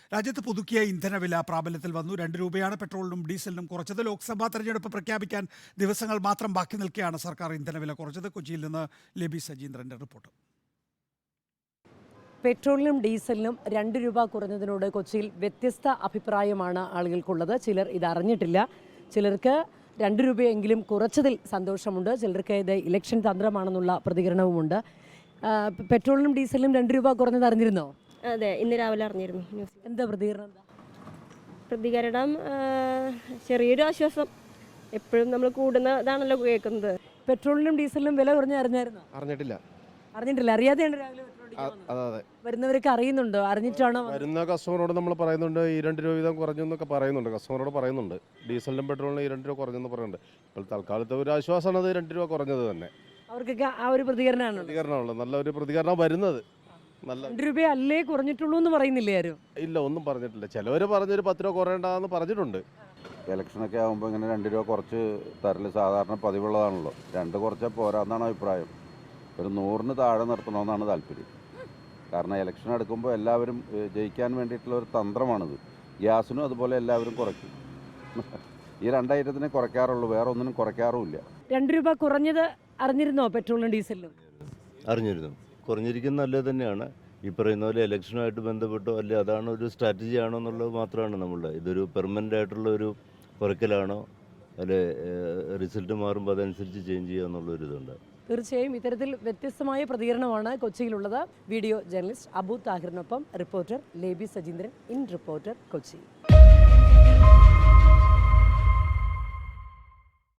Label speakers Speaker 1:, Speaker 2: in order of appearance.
Speaker 1: രാജ്യത്ത് പുതുക്കിയ ഇന്ധനവില പ്രാബല്യത്തിൽ വന്നു. 2 രൂപയാണ് പെട്രോളിനും ഡീസലിനും കുറച്ചത്. ലോക്സഭാ തെരഞ്ഞെടുപ്പ് പ്രഖ്യാപിക്കാൻ ദിവസങ്ങൾ മാത്രം ബാക്കി നിൽക്കെയാണ് സർക്കാർ ഇന്ധനവില കുറച്ചത്. കൊച്ചിയിൽ നിന്ന് ലെബി സജീന്ദ്രന്റെ റിപ്പോർട്ട്.
Speaker 2: പെട്രോളിനും ഡീസലിനും 2 രൂപ കുറഞ്ഞതിനോട് കൊച്ചിയിൽ വ്യത്യസ്ത അഭിപ്രായമാണ് ആളുകൾക്കുള്ളത്. ചിലർ ഇതറിഞ്ഞിട്ടില്ല, ചിലർക്ക് 2 രൂപയെങ്കിലും കുറച്ചതിൽ സന്തോഷമുണ്ട്, ചിലർക്ക് ഇത് ഇലക്ഷൻ തന്ത്രമാണെന്നുള്ള പ്രതികരണവുമുണ്ട്. പെട്രോളിനും ഡീസലിനും 2 രൂപ കുറഞ്ഞത് അറിഞ്ഞിരുന്നോ?
Speaker 3: അതെ, ഇന്ന് രാവിലെ അറിഞ്ഞിരുന്നു ന്യൂസ്.
Speaker 2: എന്താ പ്രതികരണം?
Speaker 3: പ്രതികരണം ചെറിയൊരു ആശ്വാസം. എപ്പോഴും നമ്മൾ കൂടുന്നതാണല്ലോ കേൾക്കുന്നത്.
Speaker 2: പെട്രോളിനും ഡീസലിനും വില കുറഞ്ഞ അറിഞ്ഞായിരുന്നോ?
Speaker 4: അറിഞ്ഞിട്ടില്ല.
Speaker 2: അറിയാതെയാണ് രാവിലെ
Speaker 4: അതെ.
Speaker 2: വരുന്നവരൊക്കെ അറിയുന്നുണ്ടോ? അറിഞ്ഞിട്ടാണോ?
Speaker 4: വരുന്ന കസ്റ്റമറോട് നമ്മൾ പറയുന്നുണ്ട് ഈ 2 രൂപ വീതം കുറഞ്ഞു എന്നൊക്കെ പറയുന്നുണ്ട്. കസ്റ്റമറോട് പറയുന്നുണ്ട് ഡീസലിനും പെട്രോളിനും ഈ 2 രൂപ കുറഞ്ഞെന്ന് പറയുന്നുണ്ട്. ഇപ്പോൾ തൽക്കാലത്തെ ഒരു ആശ്വാസമാണ് അത് 2 രൂപ കുറഞ്ഞത് തന്നെ.
Speaker 2: അവർക്കൊക്കെ ആ ഒരു
Speaker 4: പ്രതികരണമുള്ളത്, നല്ല ഒരു പ്രതികരണം വരുന്നത്. നല്ല
Speaker 2: 2 രൂപ അല്ലേ കുറഞ്ഞിട്ടുള്ളൂ എന്ന് പറയുന്നില്ലേ ആരും?
Speaker 4: ഇല്ല, ഒന്നും പറഞ്ഞിട്ടില്ല. ചിലവർ പറഞ്ഞൊരു 10 രൂപ കുറയേണ്ടതെന്ന് പറഞ്ഞിട്ടുണ്ട്.
Speaker 5: ഇലക്ഷനൊക്കെ ആകുമ്പോൾ ഇങ്ങനെ 2 രൂപ കുറച്ച് തരല് സാധാരണ പതിവുള്ളതാണല്ലോ. 2 കുറച്ചാൽ പോരാന്നാണ് അഭിപ്രായം. ഒരു 100-ന് താഴെ നിർത്തണമെന്നാണ് താല്പര്യം. കാരണം ഇലക്ഷൻ എടുക്കുമ്പോൾ എല്ലാവരും ജയിക്കാൻ വേണ്ടിയിട്ടുള്ള ഒരു തന്ത്രമാണിത്. ഗ്യാസിനും അതുപോലെ എല്ലാവരും കുറയ്ക്കും. ഈ 2 ഐറ്റത്തിനെ കുറയ്ക്കാറുള്ളൂ, വേറെ ഒന്നിനും കുറയ്ക്കാറുമില്ല.
Speaker 2: 2 രൂപ കുറഞ്ഞത് അറിഞ്ഞിരുന്നോ? പെട്രോളിനും ഡീസലിനും
Speaker 6: അറിഞ്ഞിരുന്നു. കുറഞ്ഞിരിക്കുന്നത് നല്ലത് തന്നെയാണ്. ഈ പറയുന്ന പോലെ ഇലക്ഷനുമായിട്ട് ബന്ധപ്പെട്ടോ അല്ലെ അതാണ് ഒരു സ്ട്രാറ്റജി ആണോ എന്നുള്ളത് മാത്രമാണ് നമ്മളുടെ. ഇതൊരു പെർമനൻ്റ് ആയിട്ടുള്ള ഒരു കുറയ്ക്കലാണോ അല്ലെ റിസൾട്ട് മാറുമ്പോൾ അതനുസരിച്ച് ചേഞ്ച് ചെയ്യുക എന്നുള്ളൊരിതുണ്ട്.
Speaker 2: തീർച്ചയായും ഇത്തരത്തിൽ വ്യത്യസ്തമായ പ്രതികരണമാണ് കൊച്ചിയിലുള്ളത്. വീഡിയോ ജേർണലിസ്റ്റ് അബു താഹിറിനൊപ്പം reporter Lebi Sajeendran, in reporter, Kochi.